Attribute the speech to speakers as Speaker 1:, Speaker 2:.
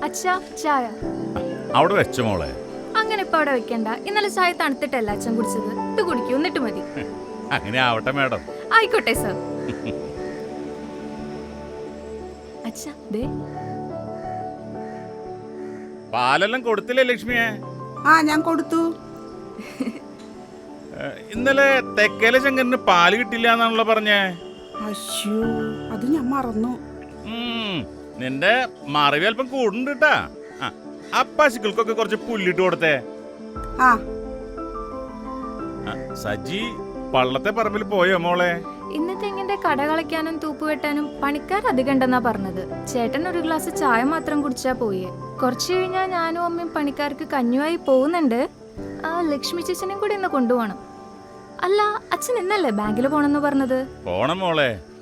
Speaker 1: അച്ഛാ ചായ
Speaker 2: അവിടെ വെച്ച മോളെ.
Speaker 1: അങ്ങനെ ഇപ്പൊ അവിടെ വെക്കണ്ട. ഇന്നലെ ചായ തണുത്തിട്ടല്ല അച്ഛൻ കുടിച്ചത്. ഇത് കുടിക്കൂ, എന്നിട്ട് മതി.
Speaker 2: അങ്ങനെ ആവട്ടെ മാഡം.
Speaker 1: ആയിക്കോട്ടെ സർ. അച്ഛാ ദേ
Speaker 2: പാലെല്ലാം കൊടുത്തില്ലേ ലക്ഷ്മിയെ?
Speaker 3: ആ ഞാൻ കൊടുത്തു.
Speaker 2: ഇന്നലെ തെക്കേലെ ശങ്കരന് പാല് കിട്ടില്ല എന്നാണല്ലോ പറഞ്ഞേ.
Speaker 3: അശ്യോ, അത് ഞാൻ മറന്നു.
Speaker 2: നിന്റെ മറിവ് അല്പം കൂടുണ്ട് കേട്ടാ. ആ പശുക്കൾക്കൊക്കെ കുറച്ച് പുല്ലിട്ട് കൊടുത്തേ.
Speaker 3: ആ
Speaker 2: സജി പള്ളത്തെ പറമ്പിൽ പോയോ മോളെ?
Speaker 1: ഇന്ന് തെങ്ങിന്റെ കട കളയ്ക്കാനും തൂപ്പ് വെട്ടാനും പണിക്കാർ അധികം ഉണ്ടെന്നാ പറഞ്ഞത്. ചേട്ടൻ ഒരു ഗ്ലാസ് ചായ മാത്രം കുടിച്ചാ പോയേ. കുറച്ചു കഴിഞ്ഞാ ഞാനും അമ്മയും പണിക്കാർക്ക് കഞ്ഞുമായി പോകുന്നുണ്ട്. ആ ലക്ഷ്മി ചേച്ചനെയും കൂടി ഇന്ന് കൊണ്ടുപോകണം. അല്ല, അച്ഛൻ ഇന്നല്ലേ ബാങ്കിൽ പോണെന്ന് പറഞ്ഞത്?
Speaker 2: പോണം മോളെ.